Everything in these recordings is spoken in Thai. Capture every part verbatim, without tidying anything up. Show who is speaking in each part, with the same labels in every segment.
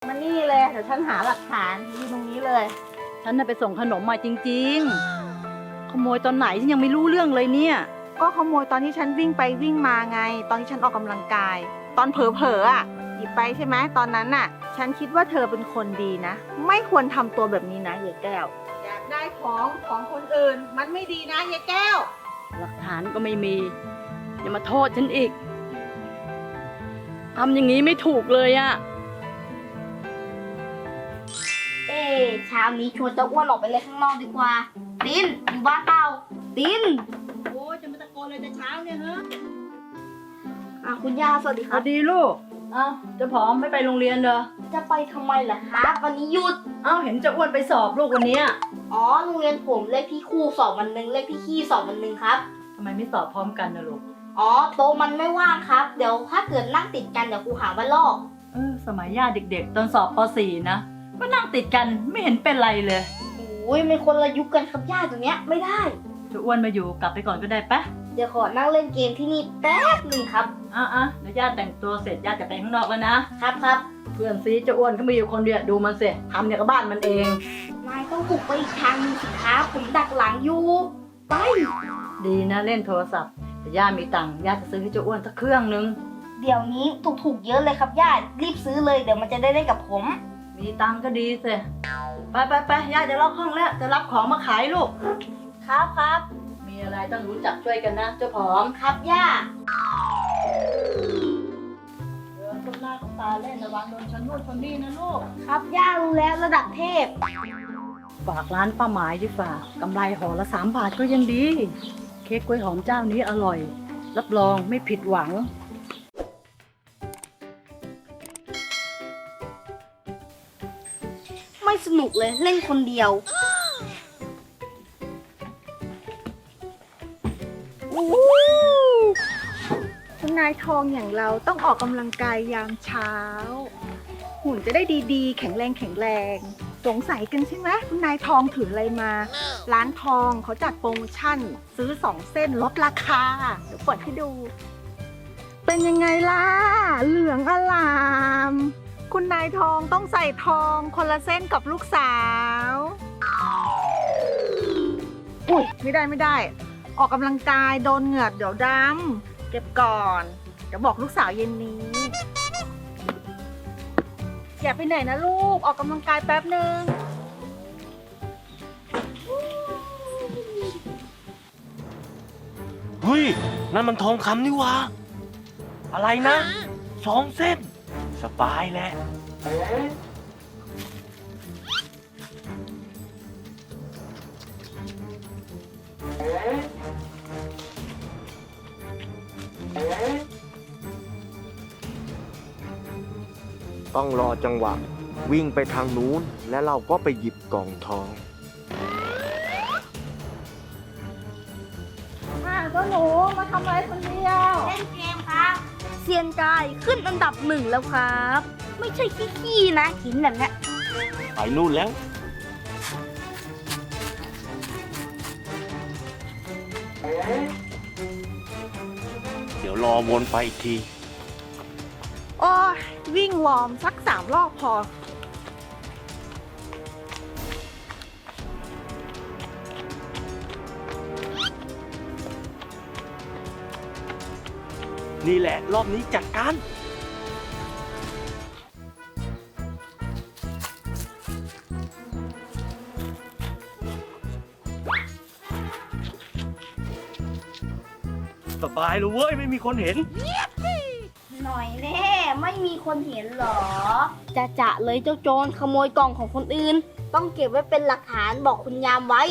Speaker 1: มานี่เลยเดี๋ยวฉันหาหลักฐานยืนตรงนี้เลยฉันน่ะไปส่งขนมมาจริงๆขโมยตอนไหนฉันยังไม่รู้เรื่องเลยเนี่ยก็ขโมยตอนที่ฉันวิ่งไปวิ่งมาไง ตอนที่ฉันออกกำลังกาย ตอนเผลอๆอ่ะหยิบไปใช่ไหมตอนนั้นน่ะ ฉันคิดว่าเธอเป็นคนดีนะไม่ควรทำตัวแบบนี้นะยายแก้วอยากได้ของของคนอื่นมันไม่ดีนะยายแก้วหลักฐานก็ไม่มีอย่ามาโทษฉันอีกทำอย่างนี้ไม่ถูกเลยอะ
Speaker 2: เอ๊ะเช้านี้ชวนเจ้าอ้วนออกไปเล่นข้างนอกดีกว่าตินอยู่บ้านเปล่าติน
Speaker 1: โอ้จะมาตะโกนเลยแต่เช้าเนี่ยฮะ
Speaker 2: อ่ะคุณย่าสวัสดีค
Speaker 1: ส
Speaker 2: รับ
Speaker 1: วัสดีลูกเอ้าจะผอมไม่ไปโรงเรียนเหรอ
Speaker 2: จะไปทำไมล่ะครับวันนี้หยุด
Speaker 1: เอ้าเห็นจะอ้วนไปสอบลูกวันนี้
Speaker 2: อ๋อโรงเรียนผมเลขพี่คู่สอบวันหนึ่งเลขพี่ขี้สอบวันหนึ่งครับ
Speaker 1: ทำไมไม่สอบพร้อมกันนะลูก
Speaker 2: อ๋อโต๊ะมันไม่ว่างครับเดี๋ยวถ้าเกิดนั่งติดกันเดี๋ยวครูหาว่าลอก
Speaker 1: เออสมัยย่าเด็กๆตอนสอบป .สี่ นะก็นั่งติดกันไม่เห็นเป็นไรเลย
Speaker 2: โอ้ยไม่คนละยุคกันครับย่าตรงเนี้ยไม่ได้
Speaker 1: จะอ้วนมาอยู่กลับไปก่อนก็ได้ปะ
Speaker 2: เดี๋ยวขอนั่งเล่นเกมที่นี่แป๊บหนึ่งครับ
Speaker 1: อ่ะอ่ะเดี๋ยวย่าแต่งตัวเสร็จย่าจะไปข้างนอกแล้วนะครับ
Speaker 2: ครับ
Speaker 1: เพื่อนซีจะอ้วนเขามีอยู่คนเดียวดูมันเสร็จทำเนี่ยกับบ้านมันเอง
Speaker 2: นายต้องบุกไปอีกทางนึงสิครับผมดักหลังอยู่ไป
Speaker 1: ดีนะเล่นโทรศัพท์แต่ย่ามีตังค์ย่าจะซื้อให้เจ้าอ้วนสักเครื่องนึง
Speaker 2: เดี๋ยวนี้ถูกๆเยอะเลยครับย่ารีบซื้อเลยเดี๋ยวมันจะได้เล่นกับผม
Speaker 1: มีตังค์ก็ดีสิไปไปไปย่าจะล็อกห้องแล้วจะรับของมาขายลูก
Speaker 2: ครับครับ
Speaker 1: มีอะไรต้องรู้จักช่วยกันนะเจ้าผอม
Speaker 2: ครับย่า
Speaker 1: เดินต้นหน้าต้นตาเล่นระวังโดนชนนู่นชนนี่นะลูก
Speaker 2: ครับย่ารู้แล้วระดับเทพ
Speaker 1: ฝากร้านป้าหมายดีฝ่ากำไรห่อละสามบาทก็ยังดีเค้กกล้วยหอมเจ้านี้อร่อยรับรองไม่ผิดหวัง
Speaker 2: ไม่สนุกเลยเล่นคนเดียว
Speaker 3: คุณนายทองอย่างเราต้องออกกำลังกายยามเช้าหุ่นจะได้ดีๆแข็งแรงแข็งแรงสงสัยกันใช่ไหมคุณนายทองถืออะไรมาร้านทองเขาจัดโปรโมชั่นซื้อสองเส้นลดราคาเดี๋ยวเปิดให้ดู เป็นยังไงล่ะเหลืองอลามคุณนายทองต้องใส่ทองคนละเส้นกับลูกสาวอุ้ยไม่ได้ไม่ได้ออกกำลังกายโดนเหงื่อเดี๋ยวดำเก็บก่อนเดี๋ยวบอกลูกสาวเย็นนี้อย่าไปไหนนะลูกออกกำลังกายแป๊บนึง
Speaker 4: เฮ้ยนั่นมันทองคำนี่วะอะไรนะสองเส้นสบายแหละต้องรอจังหวะวิ่งไปทางนู้นและเราก็ไปหยิบกล่องทอง
Speaker 3: อ่ะเจ้าหนูมาทำอะไรคนเดียว
Speaker 2: เล่นเกมครับเซียนกายขึ้นอันดับหนึ่งแล้วครับไม่ใช่ขี้ๆนะหินแบบนี้
Speaker 4: ไปนู่นแล้วเดี๋ยวรอวนไปอีกที
Speaker 3: โอ้ยวิ่งวอร์มสักสามรอบพอ
Speaker 4: นี่แหละรอบนี้จัดการสบายเลยเว้ยไม่มีคนเห็น
Speaker 2: หน่อยแน่ไม่มีคนเห็นหรอจะจะเลยเจ้าโจรขโมยกล่องของคนอื่นต้องเก็บไว้เป็นหลักฐานบอกคุณยามไว้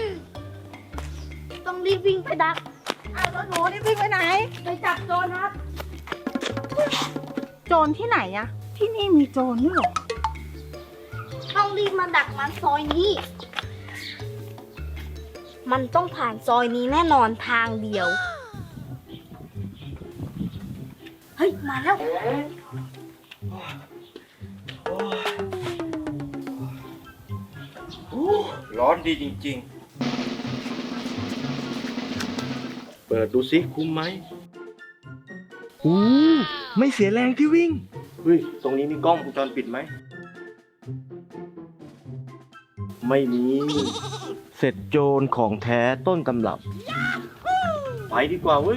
Speaker 2: ต้องรีบวิ่งไปดัก
Speaker 3: อ้าวเจ้าหนูนี่วิ่งไปไหน
Speaker 2: ไปจับโจรครับ
Speaker 3: โจรที่ไหนอะที่นี่มีโจรด้วยเหรอ
Speaker 2: ต้องรีบมาดักมันซอยนี้มันต้องผ่านซอยนี้แน่นอนทางเดียวเฮ้ยมาแล้ว
Speaker 4: ร้อนดีจริงๆเปิดดูสิคุ้มไหมอู้ไม่เสียแรงที่วิ่งเฮ้ยตรงนี้มีกล้องวงจรปิดไหมไม่มี เสร็จโจรของแท้ต้นตำรับ ไปดีกว่าเว้ย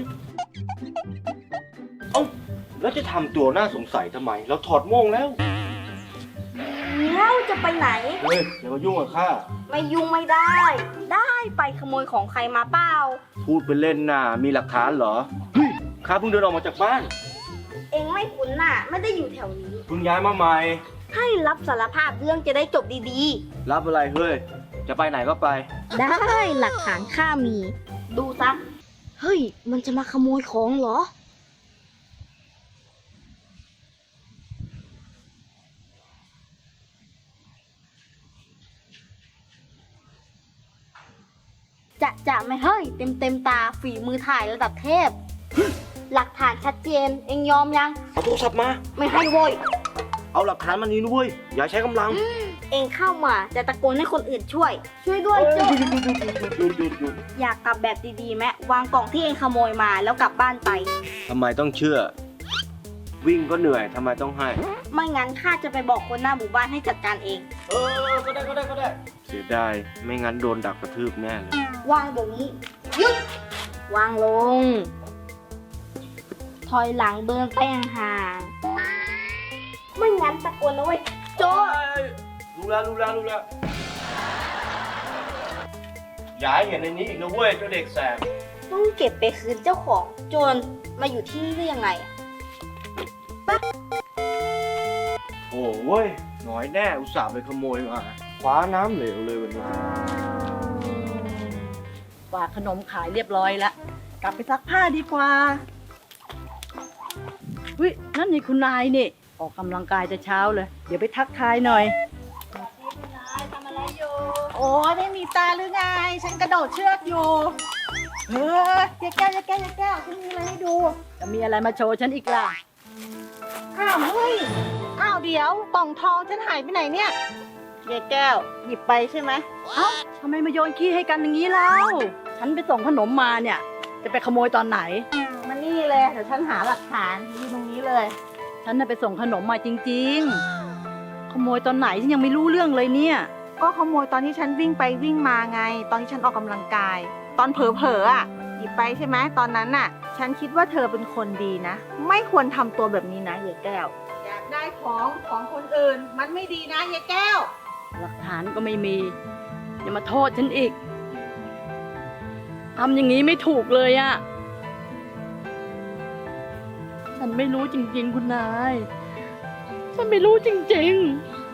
Speaker 4: เอ้า แล้วจะทำตัวน่าสงสัยทำไม เราถอดโม่งแล้ว
Speaker 2: แล้วจะไปไหน
Speaker 4: เฮ้ย อย่ามายุ่งกับข้า
Speaker 2: ไม่ยุ่งไม่ได้ ได้ไปขโมยของใครมาเปล่า
Speaker 4: พูดไปเล่นน่ะ มีหลักฐานเหรอ เฮ้ย ข้าเพิ่งเดินออกมาจากบ้าน
Speaker 2: เองไม่คุ้นน่ะ ไม่ได้อยู่แถวนี้
Speaker 4: เพิ่งย้ายมาใหม่
Speaker 2: ให้รับสารภาพเรื่องจะได้จบดี
Speaker 4: รับอะไรเฮ้ย จะไปไหนก็ไป
Speaker 2: ๆ ได้หลักฐานข้ามี ดูซะ เฮ้ย มันจะมาขโมยของเหรอ จะจะไม่เฮ้ย เต็มเต็มตาฝีมือถ่ายระดับเทพ หลักฐานชัดเจน เองยอมยัง
Speaker 4: เอาโทรศัพท์มา
Speaker 2: ไม่ให้โว้ย
Speaker 4: เอาหลักฐานมานี้นะเว้ย อย่าใช้กำลัง
Speaker 2: เองเข้ามาจะตะโกนให้คนอื่นช่วย ช่วยด้วย
Speaker 4: ห
Speaker 2: โจ้
Speaker 4: ยุดหยุดหยุดหยุดหยุดหยุดหยุด
Speaker 2: อยากกลับแบบดีๆไหมวางกล่องที่เองขโมยมาแล้วกลับบ้านไป
Speaker 4: ทำไมต้องเชื่อ วิ่งก็เหนื่อยทำไมต้องให้
Speaker 2: ไม่งั้นข้าจะไปบอกคนหน้าหมู่บ้านให้จัดการเอง
Speaker 4: เออ ก็ได้ก็ได้ก็ได้ เสียดาย ไม่งั้นโดนดักกระทืบแน่เลย
Speaker 2: วางเดี๋ยวนี้หยุดวางลง ถอยหลังเดินไปห่างๆไม่งั้นตะโกนนะเว้ยโจ้
Speaker 4: รู้แล้วรู้แล้วรู้แล้ว อย่าให้เห็นในนี้อีกนะเว้ยเจ้าเด็กแสบ
Speaker 2: ต้องเก็บไปคืนเจ้าของโจรมาอยู่ที่นี่ได้ยังไงอะ
Speaker 4: โอ้เว้ยน้อยแน่อุตส่าห์ไปขโมยมาคว้าน้ำเหลวเลยวันนี้
Speaker 1: ฝากขนมขายเรียบร้อยแล้ว กลับไปซักผ้าดีกว่าวินั่นนี่คุณนายนี่ ออกกำลังกายแต่เช้าเลย เดี๋ยวไปทักทายหน่อย
Speaker 3: โอ้ยไม่มีตาหรือไง ฉันกระโดดเชือกอยู่ เออยายแก้วยายแก้วยายแก้วฉันมีอะไรให้ดู
Speaker 1: จะมีอะไรมาโชว์ฉันอีกล่ะ
Speaker 3: อ้าวเฮ้ย อ้าวเดี๋ยวกล่องทองฉันหายไปไหนเนี่ยยายแก้ว หยิบไปใช่ไหม
Speaker 1: เอ้าทำไมมาโยนขี้ให้กันอย่างนี้แล้ว ฉันไปส่งขนมมาเนี่ย จะไปขโมยตอนไหน
Speaker 3: มานี่เลยเดี๋ยวฉันหาหลักฐานอยู่ตรงนี้เลย
Speaker 1: ฉันน่ะไปส่งขนมมาจริงๆ ขโมยตอนไหนฉันยังไม่รู้เรื่องเลยเนี่ย
Speaker 3: ก็ขโมยตอนที่ฉันวิ่งไปวิ่งมาไง ตอนที่ฉันออกกำลังกาย ตอนเผลอๆอ่ะ หยิบไปใช่ไหมตอนนั้นน่ะ ฉันคิดว่าเธอเป็นคนดีนะ ไม่ควรทำตัวแบบนี้นะยายแก้ว อยากได้ของของคนอื่น มันไม่ดีนะยายแก้ว
Speaker 1: หลักฐานก็ไม่มี อย่ามาโทษฉันอีก ทำอย่างนี้ไม่ถูกเลยอะ ฉันไม่รู้จริงๆคุณนาย ฉันไม่รู้จริง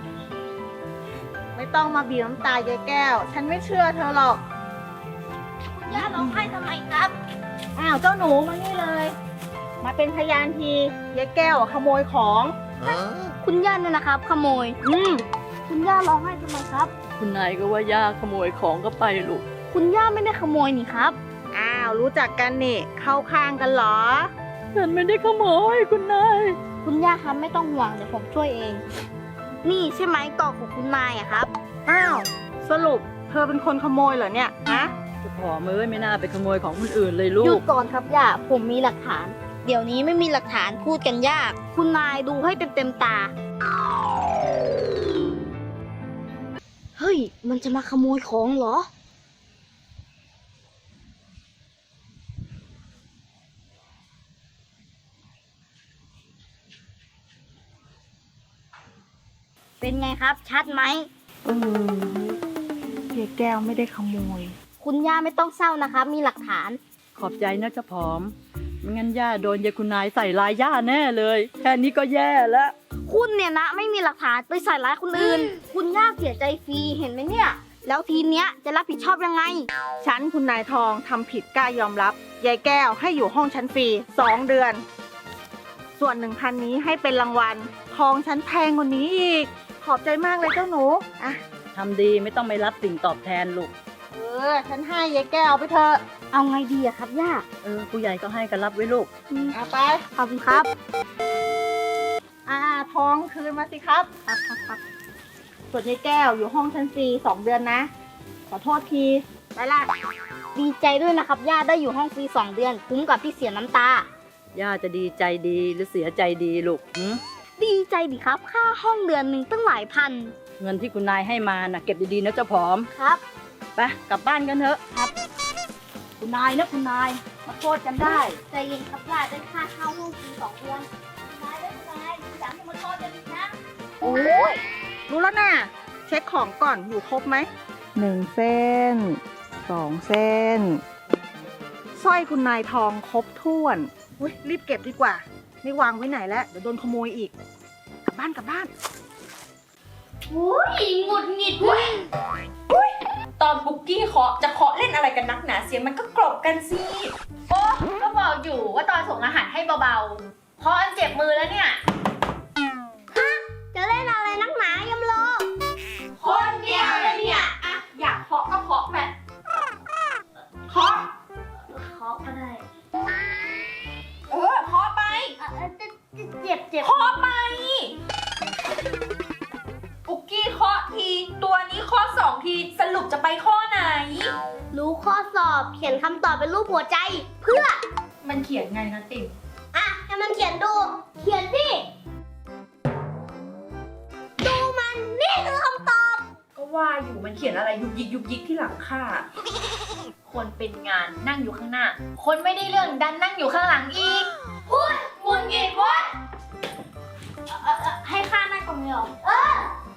Speaker 3: ไม่ต้องมาบีบน้ำตายายแก้ว ฉันไม่เชื่อเธอหรอก
Speaker 2: คุณย่าร้องไห้ทำไมครับ
Speaker 3: อ้าวเจ้าหนูมานี่เลย มาเป็นพยานทียายแก้วอะขโมยของ
Speaker 2: คุณย่าเนี่ยนะครับ ขโมย
Speaker 1: ๆ อืม
Speaker 2: คุณย่าร้องไห้ทำไมครับ
Speaker 1: คุณนายก็ว่าย่าขโมยของก็ไปลูก
Speaker 2: คุณย่าไม่ได้ขโมยนี่ครับ
Speaker 3: อ้าวรู้จักกันนี่ เข้าข้างกันเหรอ
Speaker 1: ฉันไม่ได้ขโมยคุณนาย
Speaker 2: คุณย่าครับไม่ต้องห่วงเดี๋ยวผมช่วยเอง นี่ใช่ไหมกล่องของคุณนายอะครับ
Speaker 3: อ้าว สรุปเธอเป็นคนขโมยเหรอเนี่ยฮะ
Speaker 1: จะพอมือไม่น่าไปขโมยของคนอื่นเลยลู
Speaker 2: หยุ
Speaker 1: ก
Speaker 2: ดก่อนครับย่า ผมมีหลักฐาน เดี๋ยวนี้ไม่มีหลักฐานพูดกันยาก คุณนายดูให้เต็มเต็มๆตา เฮ้ย มันจะมาขโมยของเหรอ เป็นไงครับ ชัดไหม
Speaker 3: เออยายแก้วไม่ได้ขโมย
Speaker 2: คุณย่าไม่ต้องเศร้านะครับ มีหลักฐาน
Speaker 1: ขอบใจนะเจ้าผอม ไม่งั้นย่าโดนยายคุณนายใส่ลายย่าแน่เลย แค่นี้ก็แย่แล้ว
Speaker 2: คุณเนี่ยนะไม่มีหลักฐานไปใส่ร้ายคนอื่น คุณย่าเสียใจฟรีเห็นไหมเนี่ย แล้วทีเนี้ยจะรับผิดชอบยังไง
Speaker 3: ฉันคุณนายทองทำผิดกล้ายอมรับ ยายแก้วให้อยู่ห้องฉันฟรีสองเดือน ส่วนหนึ่งพันนี้ให้เป็นรางวัล ทองฉันแพงกว่านี้อีก ขอบใจมากเลยเจ้าหนู อ่ะ
Speaker 1: ทำดีไม่ต้องไปรับสิ่งตอบแทนลูก
Speaker 3: เออ ฉันให้ยายแก้วไปเถอะ
Speaker 2: เอาไงดีอะครับย่า
Speaker 1: เออผู้ใหญ่ก็ให้กันรับไว้ลูก
Speaker 3: เอาไป
Speaker 2: ขอบคุณครับ
Speaker 3: อ่า ทองคืนมาสิครับครับครับครับส่วนยายแก้วอยู่ห้องชั้นฟรีสองเดือนนะ ขอโทษที ไปละ
Speaker 2: ดีใจด้วยนะครับย่าได้อยู่ห้องฟรีสองเดือน คุ้มกับที่เสียน้ำตา
Speaker 1: ย่าจะดีใจดีหรือเสียใจดีลูกหืม
Speaker 2: ดีใจดิครับ ค่าห้องเดือนหนึ่งตั้งหลายพัน
Speaker 1: เงินที่คุณนายให้มาน่ะเก็บดีๆนะเจ้าผอม
Speaker 2: ครับ
Speaker 1: ไปกลับบ้านกันเถอะครับ คุณนายนะคุณนายมาโทษกันได้
Speaker 2: ใจเย็นครับว่าได้ค่าเข้าห้องกินสองเดือนนายได้นายอยากให้มาโทษกันอีกนะ
Speaker 3: โอ้ยรู้แล้วนะเช็คของก่อนอยู่ครบไหมหนึ่งเส้นสองเส้นสร้อยคุณนายทองครบถ้วนอุ๊ยรีบเก็บดีกว่า ไม่วางไว้ไหนแล้วเดี๋ยวโดนขโมยอีก กลับบ้านกลับบ้าน
Speaker 2: อุ้ยหงุดหงิดเว้ย
Speaker 5: ตอนบุกกี้เคาะจะเคาะเล่นอะไรกันนักหนาเสียงมันก็กรบกันสิ
Speaker 6: โอ้ก็บอกอยู่ว่าตอนส่งอาหารให้เบาๆเพราะอันเจ็บมือแล้วเนี่ย
Speaker 2: จะเล่นอะไรนักหนายำโล
Speaker 6: คนเดียวเลยเนี่ยอะอยากเคาะก็เคาะไปเคาะ
Speaker 2: เคาะก็ได้
Speaker 6: เออเคาะไป
Speaker 2: เอ่อเจ็บเจ็บเจ็บ
Speaker 6: เคาะไปปุกกี้เคาะทีตัวนี้เคาะสองทีสรุปจะไปข้อไหน
Speaker 2: รู้ข้อสอบเขียนคำตอบเป็นรูปหัวใจ เพื่อ
Speaker 6: มันเขียนไงนะติ๋ม
Speaker 2: อ่ะให้มันเขียนดู เขียนสิดูมันนี่คือคำตอบ
Speaker 6: ก็ว่าอยู่มันเขียนอะไรยุกยิกยุกยิกที่หลังค่ะ คนเป็นงานนั่งอยู่ข้างหน้า คนไม่ได้เรื่องดันนั่งอยู่ข้างหลังอีกพูดมุนเงียบวะเอ่อเอ่อให้ข้านั่งตรงนี้เหรอ
Speaker 2: เออ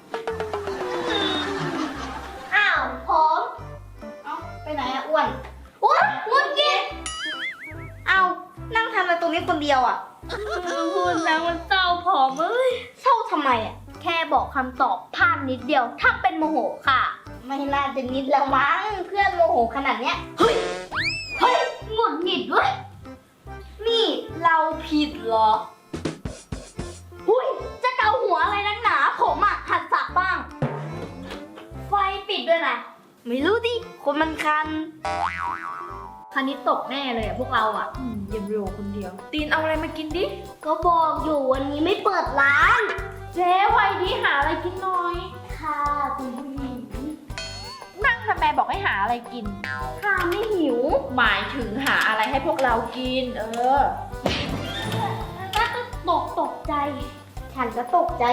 Speaker 2: อ้าวผม
Speaker 6: เอ้าไปไหนอะอ้วน
Speaker 2: อุ้ยมุนกินเอานั่งทำอะไรตรงนี้คนเดียวอ่ะ
Speaker 6: พูดแล้วมันเศร้าผอมเอ้ย
Speaker 2: เศร้าทำไมอ่ะ แค่บอกคำตอบพลาดนิดเดียว ถ้าเป็นโมโหค่ะ ไม่น่าจะนิดแล้วมั้งเพื่อนโมโหขนาดเนี้ย เฮ้ย เฮ้ยหงุดหงิดด้วย นี่เราผิดเหรอ หุ้ย จะเกาหัวอะไรนักหนา ผมอ่ะหัดสักบ้าง ไฟปิดด้วยนะ ไม่รู้ดิ คนมันคัน
Speaker 6: คณิตตกแน่เลยอะพวกเราอะอืมเยมโรคนเดียว ตีนเอาอะไรมากินดิ
Speaker 2: ก็บอกอยู่วันนี้ไม่เปิดร้าน
Speaker 6: เจ๊ไว้ดิหาอะไรกินหน่อย
Speaker 2: ค่ะคุณผู้หญิง
Speaker 6: นั่งทำไมบอกให้หาอะไรกิน
Speaker 2: ค่ะไม่หิว
Speaker 6: หมายถึงหาอะไรให้พวกเรากิน เออ
Speaker 2: ก็ตกตกใจ ฉันก็ตกใจ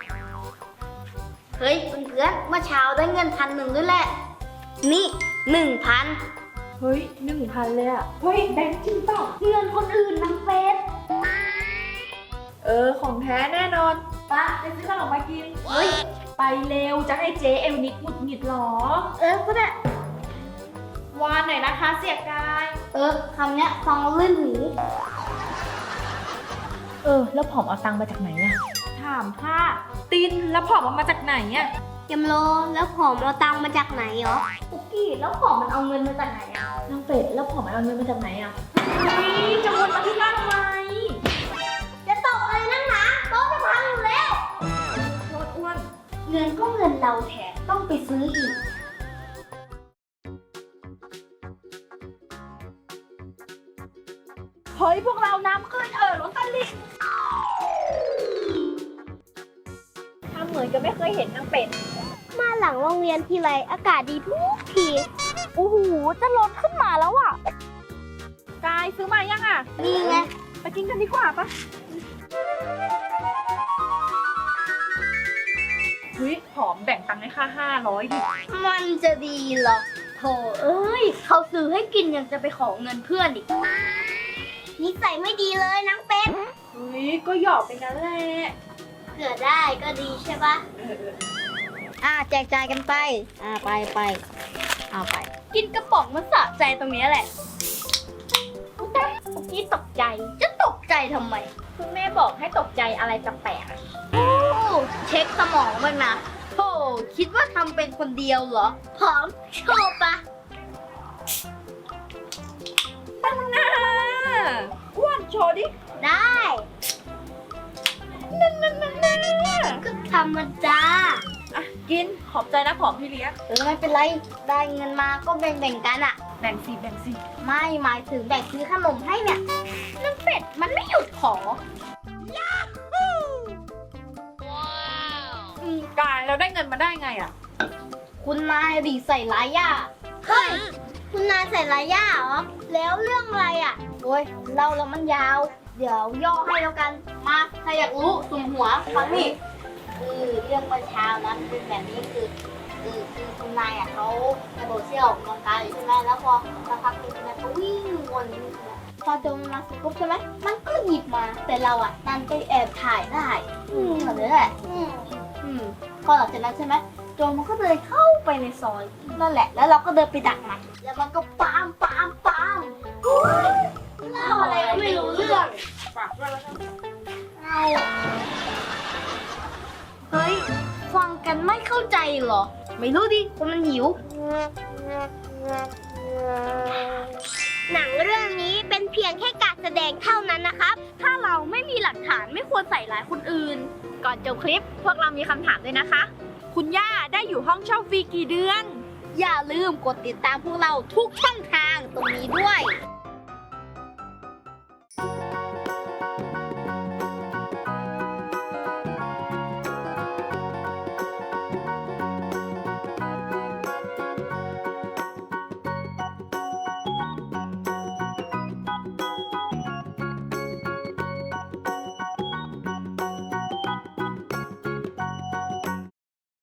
Speaker 2: เฮ้ยเพื่อนๆเมื่อเช้าได้เงินพันหนึ่งด้วยแหละ นี่หนึ่งพัน
Speaker 6: เฮ้ยหนึ่งพันเลยอะเฮ้ยแบงค์จริงเปล่า
Speaker 2: เงินคนอื่นนางเฟส
Speaker 6: เออ ของแท้แน่นอนปะไปซื้อขนมมากิน เฮ้ย ไปเร็วจะให้เจ๊เอลนิกหงุดหงิดหรอ
Speaker 2: เออก็ได้
Speaker 6: วานหน่อยนะคะเสียกาย
Speaker 2: เออคำเนี้ยฟังแล้วลื่นหู
Speaker 6: เออ แล้วผอมเอาตังค์มาจากไหนอะถามค่ะตินแล้วผอมเอามาจากไหนอะ
Speaker 2: ยำโลแล้วผอมเอาตังค์มาจากไหนเหรอปุกกี้แล้วผอมมันเอาเงินมาจากไหนอ่ะ
Speaker 6: นางเป็ดแล้วผอมเอาเงินมาจากไหนอะเฮ้ยจะวนมาที่บ้านทำไม
Speaker 2: จะตกอะไรนักหนาโต๊ะจะพังอยู่แล้ว
Speaker 6: โคตรอ้วน
Speaker 2: เงินก็เงินเราแถมต้องไปซื้ออีก
Speaker 1: เฮ้ยพวกเราน้ำขึ้นเออรถตลิ่ง
Speaker 6: ทำเหมือนกับไม่เคยเห็นนางเป็ด
Speaker 2: มาหลังโรงเรียนทีไรอากาศดีทุกทีโอ้โหจะลดขึ้นมาแล้วอ่ะ
Speaker 6: กายซื้อมายังอ่ะ
Speaker 2: นี่ไง
Speaker 6: ไปกินกันดีกว่าปะเฮ้ยผอมแบ่งตังค์ให้ค่าห้าร้อยดิ
Speaker 2: มันจะดีเหรอโถเอ้ย เขาซื้อให้กินยังจะไปขอเงินเพื่อนอีกนิสัยไม่ดีเลยนางเป็ด
Speaker 6: เฮ้ย ก็หยอกไปงั้นแหละ
Speaker 2: เกิดได้ก็ดีใช่ปะอ่าแจกจ่ายกันไป อ่าไปไปเอาไป กินกระป๋องมันสะใจตรงนี้แหละแต่เมื่อกี้ตกใจ จะตกใจทำไม
Speaker 6: คุณแม่บอกให้ตกใจอะไรแปลกๆอะ
Speaker 2: โอ้เช็คสมองบ้างนะโธ่คิดว่าทำเป็นคนเดียวเหรอ พร้อมโชว์ปะ
Speaker 6: ตั้งหน้าอ้วนโชว์ดิ
Speaker 2: ได้
Speaker 6: นั่นนั่นนั่นนั่น
Speaker 2: ก็ธรรมดา
Speaker 6: อ่ะ กิน ขอบใจนะผอมพี่เลี้ยง
Speaker 2: เออไม่เป็นไร ได้เงินมาก็แบ่งๆกันอะ
Speaker 6: แบ่งสิแบ่งสิ
Speaker 2: ไม่หมายถึงแบ่งซื้อขนมให้เนี่ยนางเป็ดมันไม่หยุดขอ
Speaker 6: อืมกายเราได้เงินมาได้ไงอ่ะ
Speaker 2: คุณนายดีใส่ร้ายย่าเฮ้ย คุณนายใส่ร้ายย่าเหรอ แล้วเรื่องอะไรอ่ะ โอ้ยเล่าแล้วมันยาว เดี๋ยวย่อให้แล้วกัน มา ถ้าอยากรู้สุ่มหัวฟังนี่คือเรื่องเมื่อเช้านะมันเป็นแบบนี้คือคือคือคุณนายอ่ะเขากระโดดเชือกออกกำลังกายอยู่ใช่ไหมแล้วพอสักพักหนึงคุณนายเขาวิ่งวนอยู่ใช่ไหมพอโจมมาสิปุ๊บใช่ไหมมันก็หยิบมาแต่เราอ่ะดันไปแอบถ่ายได้อืมแบบนี้แหละอืมอืมพอหลังจากนั้นใช่ไหมโจมมันก็เดินเข้าไปในซอยนั่นแหละแล้วเราก็เดินไปดักมันแล้วมันก็ปามปามปามเล่าอะไรก็ไม่รู้เรื่องเอาเฮ้ยฟังกันไม่เข้าใจเหรอไม่รู้ดิคนมันหิว หนังเรื่องนี้เป็นเพียงแค่การแสดงเท่านั้นนะครับ ถ้าเราไม่มีหลักฐานไม่ควรใส่ร้ายคนอื่น
Speaker 6: ก่อนจบคลิปพวกเรามีคำถามด้วยนะคะ คุณย่าได้อยู่ห้องเช่าฟรีกี่เดือน
Speaker 2: อย่าลืมกดติดตามพวกเราทุกช่องทางตรงนี้ด้วย